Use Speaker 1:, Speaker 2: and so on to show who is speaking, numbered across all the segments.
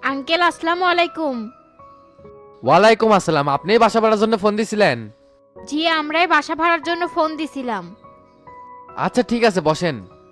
Speaker 1: Uncle আসসালামু আলাইকুম।
Speaker 2: ওয়ালাইকুম আসসালাম। আপনি বাসা ভাড়ার জন্য ফোন দিছিলেন?
Speaker 1: জি, আমরাই বাসা ভাড়ার জন্য ফোন দিছিলাম।
Speaker 2: আচ্ছা ঠিক আছে, বসেন।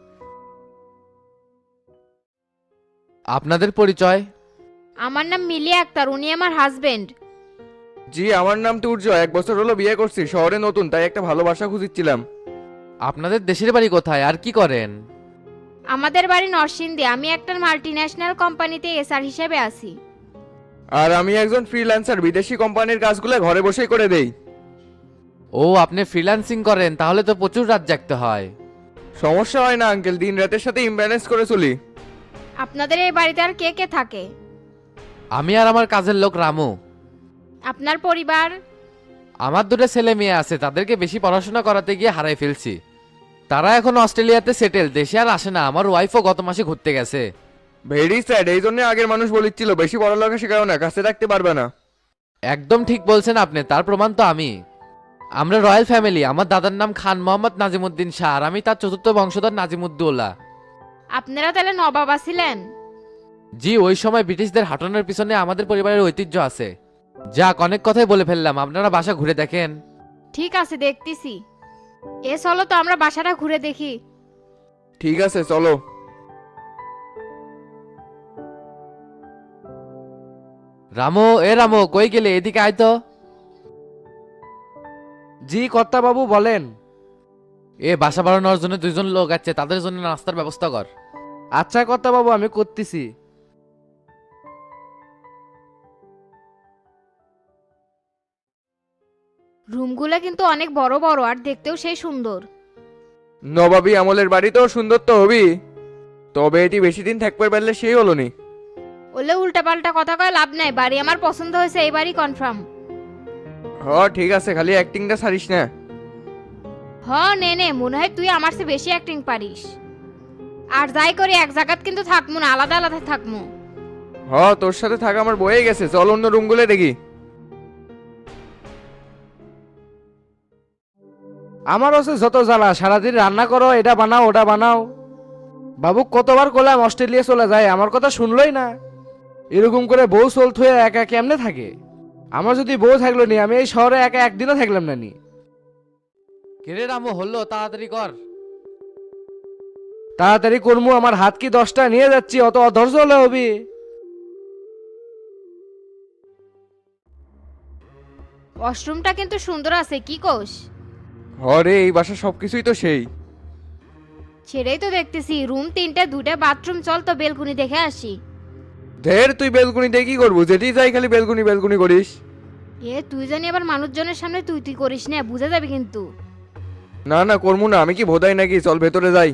Speaker 2: আপনাদের পরিচয়?
Speaker 1: আমার নাম মিলি আক্তার, উনি আমার হাজবেন্ড।
Speaker 3: জি, আমার নাম তুর্য। 1 বছর হলো বিয়ে করছি, শহরে নতুন, তাই একটা ভালো বাসা খুঁজছিলাম।
Speaker 2: আপনাদের দেশের বাড়ি কোথায় আর কি করেন?
Speaker 1: আমাদের বাড়ি নরসিংদী, আমি একটা মাল্টিন্যাশনাল কোম্পানিতে এসআর হিসেবে আছি।
Speaker 3: আর আমি একজন ফ্রিল্যান্সার, বিদেশি কোম্পানির কাজগুলো ঘরে বসেই করে দেই।
Speaker 2: ও, আপনি ফ্রিল্যান্সিং করেন, তাহলে তো প্রচুর রাত জাগতে হয়।
Speaker 3: সমস্যা হয় না আঙ্কেল, দিন রাতের সাথে ইমব্যালেন্স করে চলি।
Speaker 1: আপনাদের এই বাড়িতে আর কে কে থাকে?
Speaker 2: আমি আর আমার কাজের লোক রামু।
Speaker 1: আপনার পরিবার?
Speaker 2: আমার দুটো ছেলে মেয়ে আছে, তাদেরকে বেশি পড়াশোনা করাতে গিয়ে হারাই ফেলছি। তারা এখন অস্ট্রেলিয়াতে সেটেল, দেশে আর আসে না। আমার ওয়াইফও গত মাসে ঘুরতে গেছে।
Speaker 3: ভেরি স্যাড, এই জন্য আগের মানুষ বলেছিল বেশি পড়ালেখা শেখাও না, কাছে রাখতে পারবে না।
Speaker 2: একদম ঠিক বলছেন আপনি, তার প্রমাণ তো আমি। আমরা রয়্যাল ফ্যামিলি। আমার দাদার নাম খান মোহাম্মদ নাজিমুদ্দিন শাহ, আর আমি তার চতুর্থ বংশধর নাজিমুদ্দৌলা।
Speaker 1: আপনারা তাহলে নবাব ছিলেন?
Speaker 2: জি, ওই সময় ব্রিটিশদের হাঁটানোর পিছনে আমাদের পরিবারের ঐতিহ্য আছে। যাক, অনেক কথাই বলে ফেললাম, আপনারা বাসা ঘুরে দেখেন।
Speaker 1: ঠিক আছে, দেখতেছি। চলো তো আমরা বাসাটা ঘুরে দেখি।
Speaker 3: ঠিক আছে, চলো।
Speaker 2: রামো, রামো, কই গেলে? এদিকে আয় তো।
Speaker 4: জি কর্তা বাবু বলেন।
Speaker 2: বাসা বাড়ানোর জন্য দুইজন লোক আছে, তাদের জন্য নাস্তার ব্যবস্থা কর।
Speaker 4: আচ্ছা কর্তা বাবু, আমি করতেছি।
Speaker 1: রুমগুলো কিন্তু অনেক বড় বড় আর দেখতেও সেই সুন্দর।
Speaker 3: নবাবী আমলের বাড়ি তো সুন্দর তো হবি, তবে এটি বেশি দিন থাকতে পারলে সেই হলো নি।
Speaker 1: ওলে উল্টাপাল্টা কথা কয় লাভ নাই, বাড়ি আমার পছন্দ হয়েছে, এই বাড়ি কনফার্ম।
Speaker 3: হ ঠিক আছে, খালি অ্যাক্টিংটা ছাড়িস না।
Speaker 1: হ, নে নে, মনে হয় তুই আমার চেয়ে বেশি অ্যাক্টিং পারিস। আর যাই করি এক জায়গাত কিন্তু থাকমু না, আলাদা আলাদা থাকমু।
Speaker 3: হ, তোর সাথে থাকা আমার বয়ে গেছে, চল অন্য রুমগুলো দেখি।
Speaker 4: আমার হচ্ছে যত জ্বালা, সারাদিন রান্না করো, এটা বানাও ওটা বানাও। বাবু কতবার করলাম অস্ট্রেলিয়া চলে যায়, আমার কথা শুনলই না। এরকম করে বউ চলত হয়ে একা কেমনে থাকে? আমার যদি বউ থাকলো নি, আমি এই শহরে একা একদিনও থাকলাম না নি।
Speaker 2: কেরে রামো, হলো তাড়াতাড়ি কর।
Speaker 4: তাড়াতাড়ি করমু, আমার হাত কি 10টা নিয়ে যাচ্ছি, অত অধৈর্য হলে হবি?
Speaker 1: ওয়াশরুমটা কিন্তু সুন্দর আছে, কি কোষ?
Speaker 3: হ রে, এই বাসা সবকিছুই তো সেই।
Speaker 1: সেটাই তো দেখতেছি, রুম 3টে, 2টা বাথরুম। চল তো বেলকুনি দেখে আসি।
Speaker 3: ধের, তুই বেলকুনিতে কি করবো? যেটি যাই খালি বেলকুনি বেলকুনি করিস।
Speaker 1: তুই জানি আবার মানুষজনের সামনে তুই তুই করিস না, বুঝে যাবে কিন্তু।
Speaker 3: না না, করবো না, আমি কি ভোদাই নাকি? চল ভেতরে যাই।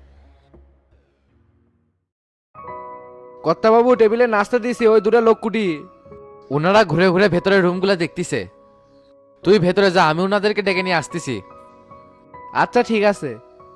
Speaker 4: কর্তা বাবু টেবিলে নাস্তা দিয়েছি, ওই দুটা লোক কুটি।
Speaker 2: ওনারা ঘুরে ঘুরে ভেতরের রুমগুলো দেখতিছে। তুই ভেতরে যা, আমি ওনাদেরকে ডেকে নিয়ে আসতেছি।
Speaker 4: আচ্ছা ঠিক আছে।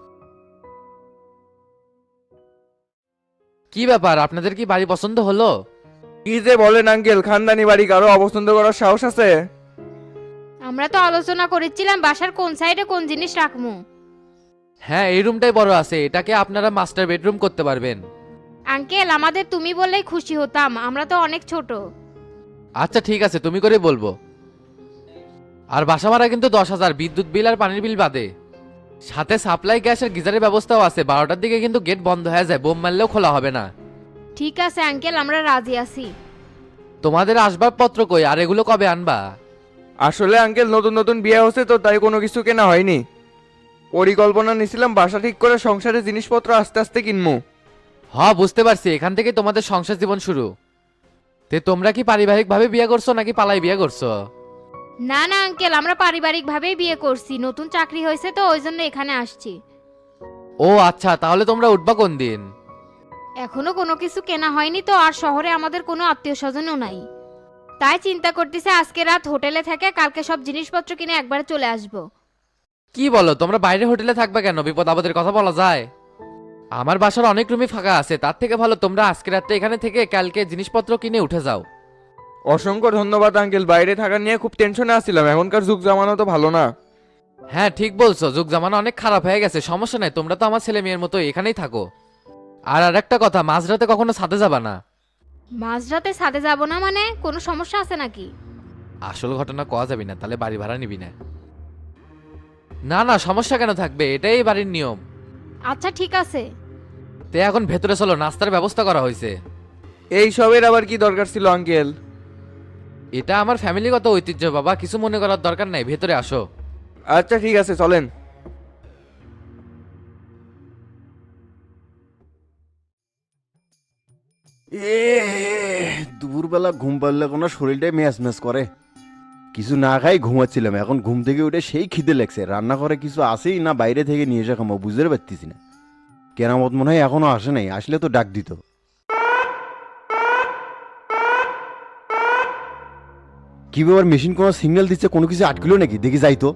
Speaker 2: কি ব্যাপার, আপনাদের কি বাড়ি পছন্দ হলো?
Speaker 3: কি যে বলেন আঙ্কেল, খানদানি বাড়ি, কারো অপছন্দ করার সাহস আছে?
Speaker 1: আমরা তো আলোচনা করেছিলাম বাসার কোন সাইডে কোন জিনিস রাখমু।
Speaker 2: হ্যাঁ, এই রুমটাই বড় আছে, এটাকে আপনারা মাস্টার বেডরুম করতে পারবেন।
Speaker 1: আঙ্কেল, আমাদের তুমি বললেই খুশি হতাম, আমরা তো অনেক ছোট।
Speaker 2: আচ্ছা ঠিক আছে, তুমি করে বলবো। আর বাসা ভাড়া কিন্তু 10,000, বিদ্যুৎ বিল আর পানির বিল বাদে। সাথে সাপ্লাই গ্যাস আর গিজারের ব্যবস্থাও আছে। 12টার দিকে কিন্তু গেট বন্ধ হয়ে যায়, বোম মারলেও খোলা হবে না।
Speaker 1: ঠিক আছে আঙ্কেল, আমরা রাজি আছি।
Speaker 2: তোমাদের আসবাবপত্র কই, আর এগুলো কবে আনবা?
Speaker 3: আসলে আঙ্কেল নতুন নতুন বিয়ে হচ্ছে তো, তাই কোনো কিছু কেনা হয়নি। পরিকল্পনা নিছিলাম বাসা ঠিক করে সংসারের জিনিসপত্র আস্তে আস্তে কিনবো।
Speaker 2: বুঝতে পারছি, এখান থেকে তোমাদের সংসার জীবন শুরু। তোমরা কি পারিবারিক ভাবে বিয়ে করছো নাকি পালাই বিয়ে করছো?
Speaker 1: না না আঙ্কেল, আমরা পারিবারিক ভাবেই বিয়ে করছি, নতুন চাকরি হয়েছে তো ওই জন্য এখানে আসছি।
Speaker 2: ও আচ্ছা, তাহলে তোমরা উঠবা কোন দিন?
Speaker 1: এখনো কোনো কিছু কেনা হয়নি তো, আর শহরে আমাদের কোনো আত্মীয় স্বজনও নাই। তাই চিন্তা করতেছে আজকে রাত হোটেলে থেকে কালকে সব জিনিসপত্র কিনে একবারে চলে আসব।
Speaker 2: কি বলো, তোমরা বাইরে হোটেলে থাকবে কেন? বিপদ আপদের কথা বলা যায়। আমার বাসার অনেক রুমই ফাঁকা আছে, তার থেকে ভালো তোমরা আজকে রাতে এখানে থেকে কালকে জিনিসপত্র কিনে উঠে যাও।
Speaker 3: অসংখ্য ধন্যবাদ আঙ্কেল, বাইরে থাকা নিয়ে খুব টেনশনে আসছিলাম, এখনকার যুগ জামানো তো ভালো না।
Speaker 2: হ্যাঁ ঠিক বলছো, যুগ জামানা অনেক খারাপ হয়ে গেছে। সমস্যা নাই, তোমরা তো আমার ছেলে মেয়ের মতো এখানেই থাকো। আর একটা কথা, মাঝরাতে কখনো ছাদে যাবা না।
Speaker 1: মাঝরাতে ছাদে যাব না মানে কোনো সমস্যা আছে নাকি?
Speaker 2: আসল ঘটনা কওয়া যাবে না, তাহলে বাড়ি ভাড়া নিবি না। না না, সমস্যা কেন থাকবে, এটাই বাড়ির নিয়ম।
Speaker 1: আচ্ছা ঠিক আছে।
Speaker 2: তে এখন ভেতরে চলো, নাস্তার ব্যবস্থা করা হয়েছে।
Speaker 3: এই সবের আবার কি দরকার ছিল আঙ্কেল?
Speaker 2: এটা আমার ফ্যামিলিগত ঐতিহ্য বাবা, কিছু মনে করার দরকার নাই, ভেতরে আসো।
Speaker 3: আচ্ছা ঠিক আছে, চলেন।
Speaker 5: এ দুপুরবেলা ঘুম পারলে কোনো শরীরটাই ম্যাচ ম্যাচ করে। কিছু না খাই ঘুমাচ্ছিলাম, এখন ঘুম থেকে উঠে সেই খিদে লাগছে। রান্না করে কিছু আসেই না বাইরে থেকে নিয়ে এসে খামো, বুঝতে পারতেছি না। কেরামত মনে হয় এখনো আসে নাই, আসলে তো ডাক দিত। কি ব্যাপার, মেশিন কোনো সিগন্যাল দিচ্ছে, কোনো কিছু আটকিলো নাকি? দেখি যাই তো।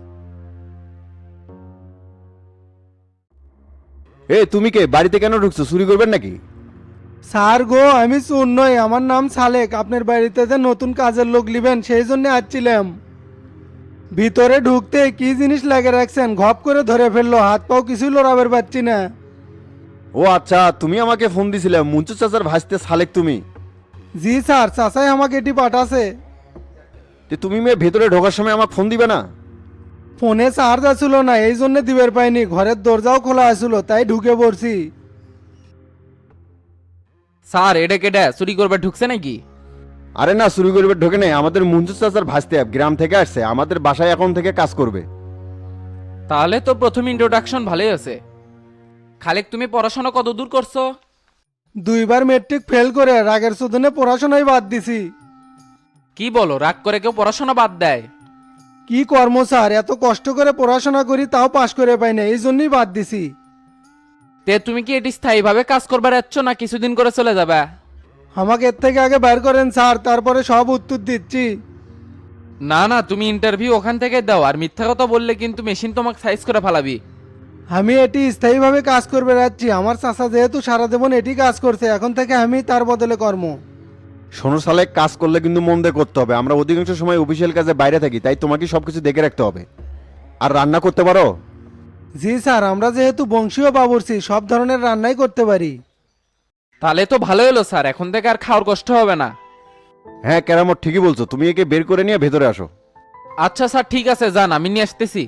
Speaker 5: এ তুমি কে, বাড়িতে কেন ঢুকছো? চুরি করবেন নাকি?
Speaker 6: স্যার গো, আমি চোর নই, আমার নাম সালেক। আপনার বাড়িতে যে নতুন কাজের লোক নেবেন সেই জন্য আসছিলাম। ভিতরে ঢুকতে কি জিনিস লাগে রাখছেন, ঘপ করে ধরে ফেললো, হাত পাও কিছুই লড়াবার পাচ্ছি না।
Speaker 5: ও আচ্ছা, তুমি আমাকে ফোন দিছিলে, মুঞ্চু চাচার ভাসতে সালেক তুমি?
Speaker 6: জি স্যার, চাচাই আমাকে এটি পাঠাছে।
Speaker 5: যে তুমি মেয়ে ভেতরে ঢোকার সময় আমাকে ফোন দিবে না?
Speaker 6: ফোনে চার্জ আসছিল না, এই জন্য দিবের পাইনি। ঘরের দরজাও খোলা আসছিল, তাই ঢুকে পড়ছি।
Speaker 7: স্যার এটা কেডা চুরি করবে ঢুকছে নাকি?
Speaker 5: আরে না, চুরি করবে ঢোকে নেই, আমাদের মুঞ্চু চাচার ভাসতে গ্রাম থেকে আসছে, আমাদের বাসায় এখন থেকে কাজ করবে।
Speaker 7: তাহলে তো প্রথম ইন্ট্রোডাকশন ভালোই আছে। খালেক তুমি পড়াশোনা কত দূর করছো?
Speaker 6: 2বার মেট্রিক ফেল করে রাগের শোধনে পড়াশোনাই বাদ দিছি।
Speaker 7: কি বলো, রাগ করে কেউ পড়াশোনা বাদ দেয়?
Speaker 6: কি কর্ম স্যার, এত কষ্ট করে পড়াশোনা করি তাও পাশ করে পাই না, এই জন্যই বাদ দিছি।
Speaker 7: তে তুমি কি এটি স্থায়ীভাবে কাজ করবার যাচ্ছ না কিছুদিন করে চলে যাবে?
Speaker 6: আমাকে এর থেকে আগে বের করেন স্যার, তারপরে সব উত্তর দিচ্ছি।
Speaker 7: না না, তুমি ইন্টারভিউ ওখান থেকে দাও, আর মিথ্যা কথা বললে কিন্তু মেশিন তোমাকে সাইজ করে ফেলাবি।
Speaker 6: আমি এটি স্থায়ীভাবে কাজ করবে যাচ্ছি। আমার চাচা যেহেতু সারা জীবন এটি কাজ করছে, এখন থেকে আমি তার বদলে কর্ম।
Speaker 5: শোনো সালেক, কাজ করলে কিন্তু মন দিয়ে করতে হবে। আমরা অধিকাংশ সময় অফিসিয়াল কাজে বাইরে থাকি, তাই তোমাকে সবকিছু দেখে রাখতে হবে। আর রান্না করতে পারো?
Speaker 6: জি স্যার, আমরা যেহেতু বংশীয় বাবুর্চি, সব ধরনের রান্নাই করতে পারি।
Speaker 7: তাহলে তো ভালো হলো স্যার, এখন থেকে আর খাওয়ার কষ্ট হবে না।
Speaker 5: হ্যাঁ কেরামত, ঠিকই বলছো। তুমি একে বের করে নিয়ে ভেতরে আসো।
Speaker 7: আচ্ছা স্যার ঠিক আছে, যান, আমি নিয়ে আসতেছি।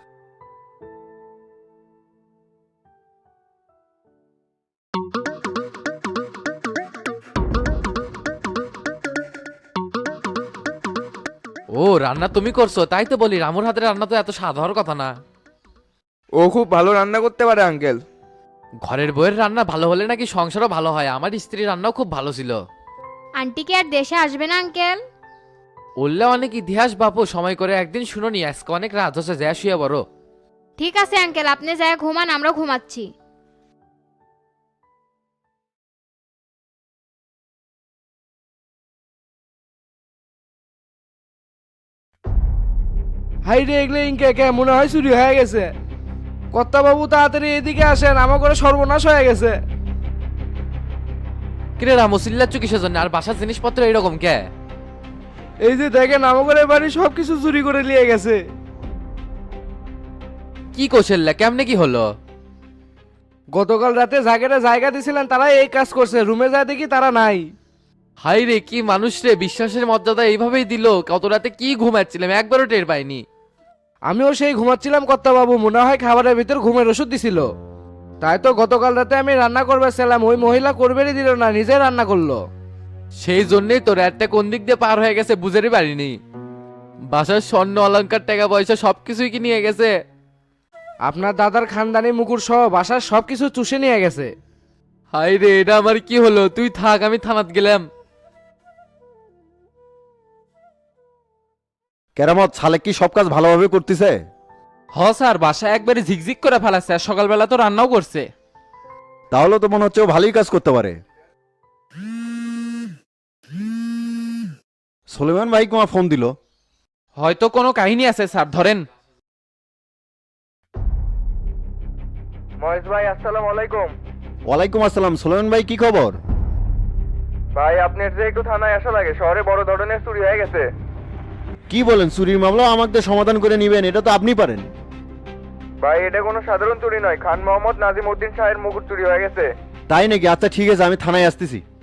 Speaker 2: ও, রান্না তুমি করছো? তাই তো বলি, রামুর হাতের রান্না তো এত স্বাদ হওয়ার কথা না।
Speaker 3: ও খুব ভালো রান্না করতে পারে আঙ্কেল।
Speaker 2: ঘরের বউয়ের রান্না ভালো হলে নাকি সংসারও ভালো হয়। আমার স্ত্রীর রান্নাও খুব ভালো ছিল।
Speaker 1: আন্টি কি আর দেশে আসবে না আঙ্কেল?
Speaker 2: উল্লে অনেক ইতিহাস বাপু, সময় করে একদিন শুনোনি, আজকে অনেক রাত হচ্ছে, যা শুয়ে বড়।
Speaker 1: ঠিক আছে আঙ্কেল, আপনি যায় ঘুমান, আমরা ঘুমাচ্ছি।
Speaker 4: হাই রে, এগুলো ইনকে কে মনে হয় চুরি হয়ে গেছে। কর্তা বাবু তাড়াতাড়ি এদিকে আসেন, আমার করে সর্বনাশ হয়ে গেছে।
Speaker 2: কিরে রামু, চিল্লাচ্ছ কিসের জন্য? আর বাসার জিনিসপত্র এরকম কে?
Speaker 4: এই যে দেখেন, আমার করে বাড়ি সবকিছু চুরি করে নিয়ে গেছে।
Speaker 2: কি কৌশল্যা, কেমনে কি হলো?
Speaker 4: গতকাল রাতে জায়গাটা জায়গা দিছিলেন, তারা এই কাজ করছে। রুমে যায় দেখি তারা নাই।
Speaker 2: হাই রে, কি মানুষ রে, বিশ্বাসের মর্যাদা এইভাবেই দিল। কত রাতে কি ঘুমাচ্ছিলাম, একবারও টের পাইনি।
Speaker 4: আমিও সেই ঘুমাচ্ছিলাম, কর্তা বাবু মনে হয় খাবারের ভিতর ঘুমের ওষুধ দিছিল। তাই তো গতকাল রাতে আমি রান্না করবে ছিলাম, ওই মহিলা করবেরই দিল না, নিজে রান্না করলো।
Speaker 2: সেই জন্যই তো রাতটা কোন দিক দিয়ে পার হয়ে গেছে বুঝেরই পারিনি। বাসার স্বর্ণ অলংকার টাকা পয়সা সবকিছুই কি নিয়ে গেছে।
Speaker 4: আপনার দাদার খানদানি মুকুর সহ বাসার সবকিছু চুষে নিয়ে গেছে।
Speaker 2: হাই রে, এটা আমার কি হলো? তুই থাক, আমি থানাত গেলাম।
Speaker 5: কেরামত, সালেক কি সব কাজ ভালোভাবে করতেছে?
Speaker 7: হ স্যার, বাসা একবারে ঝিকঝিক করে ফেলাচ্ছে, আর সকালবেলা তো রান্নাও করছে।
Speaker 5: তাহলে তো মনে হচ্ছে ও ভালোই কাজ করতে পারে। সুলেমান ভাই তোমার ফোন দিল।
Speaker 7: হয়তো কোনো কাহিনী আছে স্যার, ধরেন।
Speaker 3: মহেশ ভাই, আসসালামু আলাইকুম।
Speaker 5: ওয়ালাইকুম আসসালাম। সুলেমান ভাই, কি খবর?
Speaker 3: ভাই আপনার যে একটু থানায় আসা লাগে, শহরে বড় ধরনের চুরি হয়ে গেছে।
Speaker 5: কি বলেন? চুরির মামলা আমাকে সমাধান করে নিবেন? এটা তো আপনি পারেন।
Speaker 3: ভাই এটা কোনো সাধারণ চুরি নয়, খান মোহাম্মদ নাজিম উদ্দিন শাহের মুকুট চুরি হয়ে গেছে।
Speaker 5: তাই নাকি? আচ্ছা ঠিক আছে, আমি থানায় আসতেছি।